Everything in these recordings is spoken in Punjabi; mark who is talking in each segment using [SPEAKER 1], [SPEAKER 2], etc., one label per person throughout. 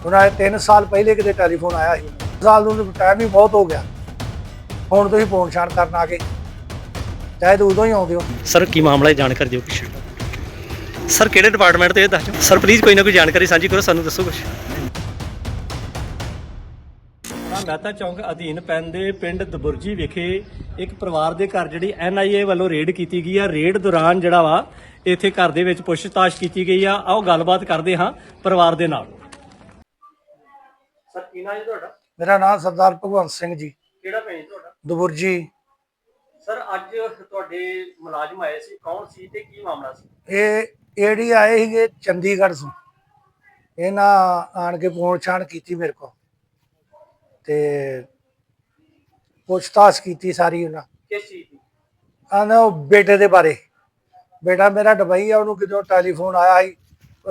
[SPEAKER 1] ਉਹਨਾਂ 3 ਸਾਲ ਪਹਿਲੇ ਕਿਤੇ ਟੈਲੀਫੋਨ ਆਇਆ ਸੀ। ਸਾਲ ਨੂੰ ਟਾਈਮ ਵੀ ਬਹੁਤ ਹੋ ਗਿਆ। ਹੁਣ ਤੁਸੀਂ ਫੋਨ ਛਾਣ ਕਰਨ ਆ ਗਏ, ਚਾਹੇ ਤਾਂ ਉਦੋਂ ਹੀ ਆਉਂਦੇ ਹੋ।
[SPEAKER 2] ਸਰ ਕੀ ਮਾਮਲਾ ਹੈ, ਜਾਣਕਾਰੀ ਦਿਓ ਕੁਛ। ਸਰ ਕਿਹੜੇ ਡਿਪਾਰਟਮੈਂਟ ਤੋਂ ਇਹ ਦੱਸ ਦਿਓ ਸਰ, ਪਲੀਜ਼ ਕੋਈ ਨਾ ਕੋਈ ਜਾਣਕਾਰੀ ਸਾਂਝੀ ਕਰੋ, ਸਾਨੂੰ ਦੱਸੋ ਕੁਛ। ਮਹਿਤਾ ਚੌਂਕ ਅਧੀਨ ਪੈਂਦੇ ਪਿੰਡ ਦਬੁਰਜੀ ਵਿਖੇ ਇੱਕ ਪਰਿਵਾਰ ਦੇ ਘਰ ਜਿਹੜੀ NIA ਵੱਲੋਂ ਰੇਡ ਕੀਤੀ ਗਈ ਆ। ਰੇਡ ਦੌਰਾਨ ਜਿਹੜਾ ਵਾ ਇੱਥੇ ਘਰ ਦੇ ਵਿੱਚ ਪੁੱਛਤਾਛ ਕੀਤੀ ਗਈ ਆ। ਆਓ ਗੱਲਬਾਤ ਕਰਦੇ ਹਾਂ ਪਰਿਵਾਰ ਦੇ ਨਾਲ। ਸਰ ਕੀ ਨਾਮ ਹੈ ਤੁਹਾਡਾ?
[SPEAKER 1] ਮੇਰਾ ਨਾਮ ਸਰਦਾਰ ਭਗਵੰਤ ਸਿੰਘ ਜੀ।
[SPEAKER 2] ਕਿਹੜਾ ਪਿੰਡ ਤੁਹਾਡਾ?
[SPEAKER 1] ਦਬੁਰਜੀ।
[SPEAKER 2] ਸਰ ਅੱਜ ਤੁਹਾਡੇ ਮੁਲਾਜ਼ਮ ਆਏ ਸੀ, ਕੌਣ ਸੀ ਤੇ ਕੀ ਮਾਮਲਾ ਸੀ?
[SPEAKER 1] ਇਹ ਏਡੀ ਆਏ ਸੀਗੇ ਚੰਡੀਗੜ੍ਹ ਤੋਂ। ਇਹਨਾਂ ਆਣ ਕੇ ਫੋਨ ਛਾਣ ਕੀਤੀ ਮੇਰੇ ਕੋਲ ਤੇ ਪੁੱਛਤਾਛ ਕੀਤੀ ਸਾਰੀ। ਉਹਨਾਂ
[SPEAKER 2] ਕਿਸ ਚੀਜ਼ ਦੀ?
[SPEAKER 1] ਆਂਦਾ ਉਹ ਬੇਟੇ ਦੇ ਬਾਰੇ। ਬੇਟਾ ਮੇਰਾ ਦੁਬਈ ਆ, ਉਹਨੂੰ ਕਿਦੋਂ ਟੈਲੀਫੋਨ ਆਇਆ ਸੀ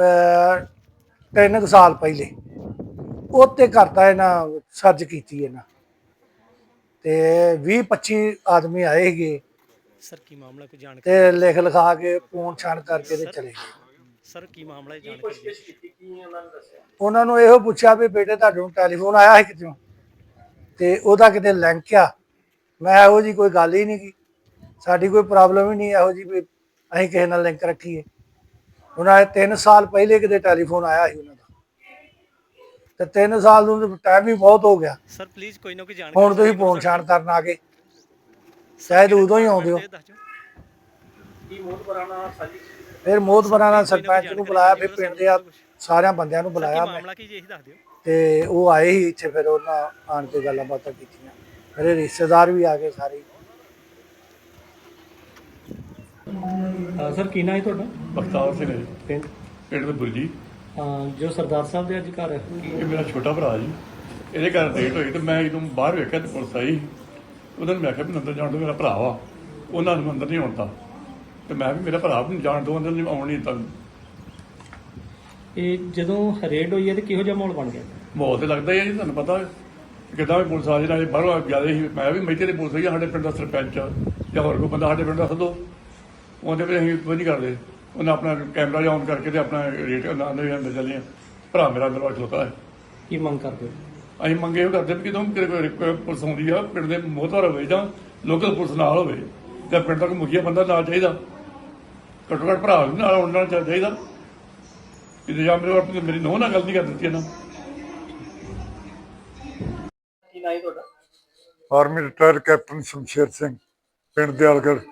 [SPEAKER 1] 3 ਸਾਲ ਪਹਿਲੇ। ਉੱਤੇ ਕਰਤਾ ਇਹਨਾਂ ਸਰਚ ਕੀਤੀ ਇਹਨਾਂ ਤੇ 20-25 ਆਦਮੀ ਆਏ ਸੀਗੇ।
[SPEAKER 2] ਸਰ ਕੀ ਮਾਮਲਾ, ਕੋਈ ਜਾਣਕਾਰੀ
[SPEAKER 1] ਤੇ ਲਿਖ ਲਿਖਾ ਕੇ ਫੋਨ ਛਾਣ ਕਰਕੇ ਤੇ ਚਲੇ ਗਏ।
[SPEAKER 2] ਸਰ ਕੀ ਮਾਮਲਾ ਹੈ, ਜਾਣਕਾਰੀ
[SPEAKER 1] ਕੀਤੀ ਕੀ ਉਹਨਾਂ ਨੇ ਦੱਸਿਆ? ਉਹਨਾਂ ਨੂੰ ਇਹੋ ਪੁੱਛਿਆ ਵੀ ਬੇਟੇ ਤੁਹਾਡੇ ਨੂੰ ਟੈਲੀਫੋਨ ਆਇਆ ਹੈ ਕਿਤੋਂ, ਤੇ ਉਹਦਾ ਕਿਤੇ ਲਿੰਕ ਆ। ਮੈਂ ਇਹੋ ਜੀ ਕੋਈ ਗੱਲ ਹੀ ਨਹੀਂ ਕੀ, ਸਾਡੀ ਕੋਈ ਪ੍ਰੋਬਲਮ ਹੀ ਨਹੀਂ ਇਹੋ ਜੀ ਵੀ ਅਸੀਂ ਕਿਸੇ ਨਾਲ ਲਿੰਕ ਰੱਖੀਏ। ਉਹਨਾਂ ਨੇ 3 ਸਾਲ ਪਹਿਲੇ ਕਿਤੇ ਟੈਲੀਫੋਨ ਆਇਆ ਸੀ ਉਹਨਾਂ ਦਾ, ਤੇ 3 ਸਾਲ ਨੂੰ ਟਾਈਮ ਵੀ ਬਹੁਤ ਹੋ ਗਿਆ।
[SPEAKER 2] ਸਰ ਪਲੀਜ਼ ਕੋਈ ਨਾ ਕੋਈ ਜਾਣਕਾਰੀ।
[SPEAKER 1] ਹੁਣ ਤੁਸੀਂ ਫੋਨ ਛਾਣ ਕਰਨ ਆ ਗਏ, ਚਾਹੇ ਤਾਂ ਉਦੋਂ ਹੀ ਆਉਂਦੇ ਹੋ। ਫਿਰ ਮੋਹਤਬਰਾਂ ਨਾਲ ਸਰਪੰਚ ਨੂੰ ਬੁਲਾਇਆ, ਫਿਰ ਪਿੰਡ ਦੇ ਸਾਰਿਆਂ ਬੰਦਿਆਂ ਨੂੰ ਬੁਲਾਇਆ ਮੈਂ, ਤੇ ਉਹ ਆਏ ਹੀ ਇੱਥੇ। ਫਿਰ ਉਹਨਾਂ ਆਣ ਕੇ ਗੱਲਾਂ ਬਾਤਾਂ ਕੀਤੀਆਂ। ਮੇਰੇ ਰਿਸ਼ਤੇਦਾਰ ਵੀ ਆ ਗਏ ਸਾਰੇ।
[SPEAKER 2] ਸਰ ਕੀ ਨਾਮ ਹੈ ਤੁਹਾਡਾ?
[SPEAKER 3] ਬਖਤਾਵਰ ਸਿੰਘ ਹੈ ਜੀ,
[SPEAKER 2] ਪਿੰਡ
[SPEAKER 3] ਪਿੰਡ ਦਬੁਰਜੀ।
[SPEAKER 2] ਜੋ ਸਰਦਾਰ ਸਾਹਿਬ ਦੇ ਅੱਜ ਘਰ
[SPEAKER 3] ਇਹ ਮੇਰਾ ਛੋਟਾ ਭਰਾ ਜੀ। ਇਹਦੇ ਘਰ ਡੇਟ ਹੋਈ ਤੇ ਮੈਂ ਜਦੋਂ ਬਾਹਰ ਵੇਖਿਆ ਤੇ ਪੁਲਿਸ ਆਈ। ਉਹਨਾਂ ਨੇ ਮੈਂ ਕਿਹਾ ਵੀ ਅੰਦਰ ਜਾਣ ਦਿਓ, ਮੇਰਾ ਭਰਾ ਵਾ। ਉਹਨਾਂ ਨੂੰ ਅੰਦਰ ਨਹੀਂ ਆਉਣ ਦਿੱਤਾ ਤੇ ਮੈਂ ਵੀ ਮੇਰਾ ਭਰਾ ਨੂੰ ਜਾਣ ਦਿਓ, ਅੰਦਰ ਨਹੀਂ ਆਉਣ ਨਹੀਂ ਦਿੱਤਾ।
[SPEAKER 2] ਇਹ ਜਦੋਂ ਰੇਡ ਹੋਈ ਹੈ ਤੇ ਕਿਹੋ ਜਿਹਾ ਮਾਹੌਲ ਬਣ ਗਿਆ?
[SPEAKER 3] ਮਾਹੌਲ ਤੇ ਲੱਗਦਾ ਹੀ ਹੈ ਜੀ, ਤੁਹਾਨੂੰ ਪਤਾ ਕਿੱਦਾਂ ਵੀ ਪੁਲਿਸ ਆ ਜਾਏ। ਬਾਹਰੋਂ ਜ਼ਿਆਦਾ ਸੀ, ਮੈਂ ਵੀ ਮੇਥੇ ਦੀ ਪੁਲਿਸ ਹੋਈ ਆ। ਸਾਡੇ ਪਿੰਡ ਦਾ ਸਰਪੰਚ ਜਾਂ ਹੋਰ ਕੋਈ ਬੰਦਾ ਸਾਡੇ ਪਿੰਡ ਦਾ ਸੱਦੋ, ਉਹਦੇ ਵਿੱਚ ਅਸੀਂ ਕੁਝ ਨਹੀਂ ਕਰਦੇ। ਉਹਨੇ ਆਪਣਾ ਕੈਮਰਾ ਜਾਂ ਔਨ ਕਰਕੇ ਤੇ ਆਪਣਾ ਰੇਟ ਅੰਦਰ ਚੱਲੇ ਆ। ਭਰਾ ਮੇਰਾ ਅੰਦਰ ਖਲੋਤਾ ਹੈ।
[SPEAKER 2] ਕੀ ਮੰਗ ਕਰਦੇ ਹੋ?
[SPEAKER 3] ਅਸੀਂ ਮੰਗੇ ਉਹ ਕਰਦੇ ਵੀ ਕਿਦੋਂ ਪੁਲਿਸ ਆਉਂਦੀ ਆ, ਪਿੰਡ ਦੇ ਮੋਹਤਵਾਰ ਹੋਵੇ ਜਾਂ ਲੋਕਲ ਪੁਲਿਸ ਨਾਲ ਹੋਵੇ, ਜਾਂ ਪਿੰਡ ਦਾ ਕੋਈ ਮੁਖੀਆ ਬੰਦਾ ਨਾਲ ਚਾਹੀਦਾ। ਘੱਟੋ ਘੱਟ ਭਰਾ ਨਾਲ ਆਉਣਾ ਚਾਹੀਦਾ। ਕਿ ਜਾਂ ਮੇਰੀ ਨੂੰਹ ਨਾਲ ਗੱਲ ਨਹੀਂ ਕਰ ਦਿੱਤੀ ਇਹਨਾਂ।
[SPEAKER 2] ਕੀ ਨਾਮ ਹੈ ਤੁਹਾਡਾ?
[SPEAKER 4] Army retire captain Shamsher Singh, ਪਿੰਡ ਦਿਆਲਗੜ੍ਹ।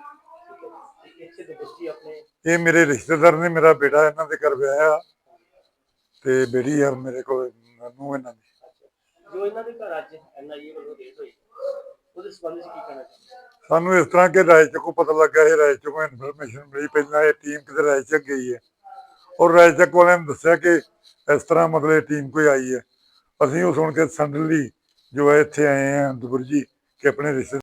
[SPEAKER 4] ਇਹ ਮੇਰੇ ਰਿਸ਼ਤੇਦਾਰ ਨੇ, ਮੇਰਾ ਬੇਟਾ ਇਹਨਾਂ ਦੇ ਘਰ ਵਿਆਹਿਆ ਤੇ ਬੇਟੀ ਆ ਮੇਰੇ ਕੋਲ ਨੂੰ ਇਹਨਾਂ ਦੀ।
[SPEAKER 2] ਜੋ ਇਹਨਾਂ ਦੇ ਘਰ ਅੱਜ NIA ਵੱਲੋਂ ਰੇਡ ਹੋਈ, ਉਹਦੇ ਸੰਬੰਧ ਵਿੱਚ ਕੀ ਕਹਿਣਾ ਚਾਹੁੰਦੇ?
[SPEAKER 4] ਸਾਨੂੰ ਇਸ ਤਰ੍ਹਾਂ ਕਿ ਰਾਏਚੱਕੋਂ ਪਤਾ ਲੱਗਾ ਹੈ, ਰਾਏਚੱਕੋਂ ਇਨਫੋਰਮੇਸ਼ਨ ਮਿਲੀ। ਪਹਿਲਾਂ ਇਹ ਟੀਮ ਕਿਤੇ ਰਾਏਚੱਕ ਗਈ ਹੈ ਔਰ ਰਾਏਚੱਕ ਵਾਲਿਆਂ ਨੇ ਦੱਸਿਆ ਕਿ ਇਸ ਤਰ੍ਹਾਂ ਮਤਲਬ ਟੀਮ ਕੋਈ ਆਈ ਹੈ। ਅਸੀਂ ਉਹ ਸੁਣ ਕੇ ਸਡਨਲੀ ਜੋ ਹੈ ਇੱਥੇ ਆਏ ਹਾਂ ਦਬੁਰਜੀ ਕਿ ਆਪਣੇ ਰਿਸ਼ਤੇ।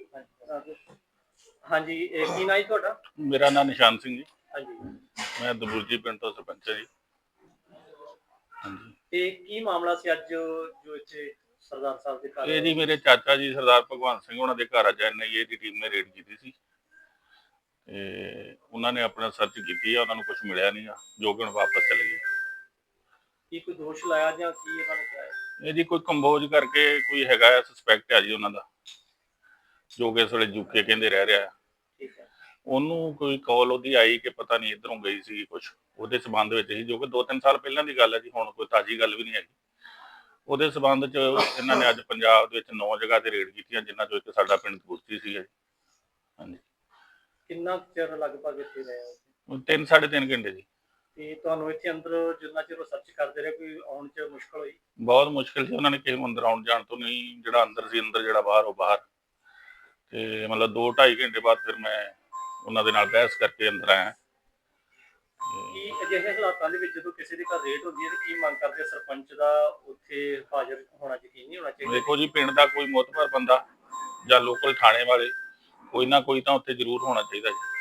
[SPEAKER 2] ਹਾਂਜੀ, ਕੀ ਨਾਮ ਹੈ ਤੁਹਾਡਾ?
[SPEAKER 5] ਮੇਰਾ ਨਾਮ ਨਿਸ਼ਾਨ ਸਿੰਘ ਜੀ।
[SPEAKER 2] ਹਾਂਜੀ,
[SPEAKER 5] ਮੈਂ ਦਬੁਰਜੀ ਪਿੰਡ ਤੋਂ ਸਰਪੰਚ ਹਾਂ ਜੀ। ਹਾਂਜੀ,
[SPEAKER 2] ਤੇ ਕੀ ਮਾਮਲਾ ਸੀ ਅੱਜ ਜੋ ਇੱਥੇ ਸਰਦਾਰ ਸਾਹਿਬ ਦੇ ਘਰ?
[SPEAKER 5] ਇਹ ਜੀ ਮੇਰੇ ਚਾਚਾ ਜੀ ਸਰਦਾਰ ਭਗਵੰਤ ਸਿੰਘ ਉਹਨਾਂ ਦੇ ਘਰ ਅੱਜ NIA ਦੀ ਟੀਮ ਨੇ ਰੇਡ ਕੀਤੀ ਸੀ ਤੇ ਉਹਨਾਂ ਨੇ ਆਪਣਾ ਸਰਚ ਕੀਤੀ ਆ। ਉਹਨਾਂ ਨੂੰ ਕੁਝ ਮਿਲਿਆ ਨਹੀਂ ਆ, ਜੋ ਕਿ ਹੁਣ ਵਾਪਸ ਚਲੇ ਗਏ।
[SPEAKER 2] ਕੀ ਕੋਈ ਦੋਸ਼ ਲਾਇਆ ਜਾਂ ਕੀ ਉਹਨਾਂ ਨੇ ਕਿਹਾ ਹੈ?
[SPEAKER 5] ਇਹ ਜੀ ਕੋਈ ਕੰਬੋਜ ਕਰਕੇ ਕੋਈ ਹੈਗਾ ਸਸਪੈਕਟ ਹੈ ਜੀ ਉਹਨਾਂ ਦਾ, ਜੋ ਕਿ ਇਸ ਵੇਲੇ UK ਕਹਿੰਦੇ ਰਹਿ ਰਿਹਾ।
[SPEAKER 2] ਠੀਕ ਹੈ।
[SPEAKER 5] ਉਹਨੂੰ ਕੋਈ ਕਾਲ ਉਹਦੀ ਆਈ ਕਿ ਪਤਾ ਨਹੀਂ ਇੱਧਰੋਂ ਗਈ ਸੀ ਕੁਛ, ਉਹਦੇ ਸਬੰਧ ਵਿੱਚ ਸੀ, ਜੋ ਕਿ 2-3 ਸਾਲ ਪਹਿਲਾਂ ਦੀ ਗੱਲ ਹੈ ਜੀ। ਹੁਣ ਕੋਈ ਤਾਜ਼ੀ ਗੱਲ ਵੀ ਨਹੀਂ ਹੈਗੀ। ਉਹਦੇ ਸਬੰਧ 'ਚ ਇਹਨਾਂ ਨੇ ਅੱਜ ਪੰਜਾਬ ਦੇ ਵਿੱਚ 9 ਜਗ੍ਹਾ ਤੇ ਰੇਡ ਕੀਤੀਆਂ, ਜਿਨ੍ਹਾਂ 'ਚੋਂ ਇੱਕ ਸਾਡਾ ਪਿੰਡ ਦਬੁਰਜੀ ਸੀਗਾ ਜੀ। ਹਾਂਜੀ।
[SPEAKER 2] ਕਿੰਨਾ ਚਿਰ ਲਗਭਗ ਇੱਥੇ ਰਹੇ ਹੋ?
[SPEAKER 5] 3-3.5 ਘੰਟੇ ਜੀ।
[SPEAKER 2] ਤੇ ਤੁਹਾਨੂੰ ਇੱਥੇ ਅੰਦਰ ਜਿੰਨਾ ਚਿਰ ਸਰਚ ਕਰਦੇ ਰਹੇ, ਕੋਈ ਆਉਣ 'ਚ ਮੁਸ਼ਕਲ ਹੋਈ?
[SPEAKER 5] ਬਹੁਤ ਮੁਸ਼ਕਿਲ ਸੀ। ਉਹਨਾਂ ਨੇ ਕਿਸੇ ਨੂੰ ਅੰਦਰ ਆਉਣ ਜਾਣ ਤੋਂ ਨਹੀਂ, ਜਿਹੜਾ ਅੰਦਰ ਸੀ ਅੰਦਰ, ਜਿਹੜਾ ਬਾਹਰ ਉਹ ਬਾਹਰ। ਤੇ ਮਤਲਬ 2-2.5 ਘੰਟੇ ਬਾਅਦ ਫਿਰ ਮੈਂ ਉਹਨਾਂ ਦੇ ਨਾਲ ਬਹਿਸ ਕਰਕੇ ਅੰਦਰ ਆਇਆ।
[SPEAKER 2] ਕੀ ਅਜਿਹੇ ਹਾਲਾਤਾਂ ਦੇ ਵਿੱਚ ਜਦੋਂ ਕਿਸੇ ਦੇ ਘਰ ਰੇਡ ਹੁੰਦੀ ਹੈ ਤੇ ਕੀ ਮੰਗ ਕਰਦੇ? ਸਰਪੰਚ ਦਾ ਉੱਥੇ ਹਾਜ਼ਰ ਹੋਣਾ ਯਕੀਨੀ ਹੋਣਾ ਚਾਹੀਦਾ।
[SPEAKER 5] ਦੇਖੋ ਜੀ, ਪਿੰਡ ਦਾ ਕੋਈ ਮੋਤਬਰ ਬੰਦਾ ਜਾਂ ਲੋਕਲ ਥਾਣੇ ਵਾਲੇ, ਕੋਈ ਨਾ ਕੋਈ ਤਾਂ ਉੱਥੇ ਜ਼ਰੂਰ ਹੋਣਾ ਚਾਹੀਦਾ ਜੀ।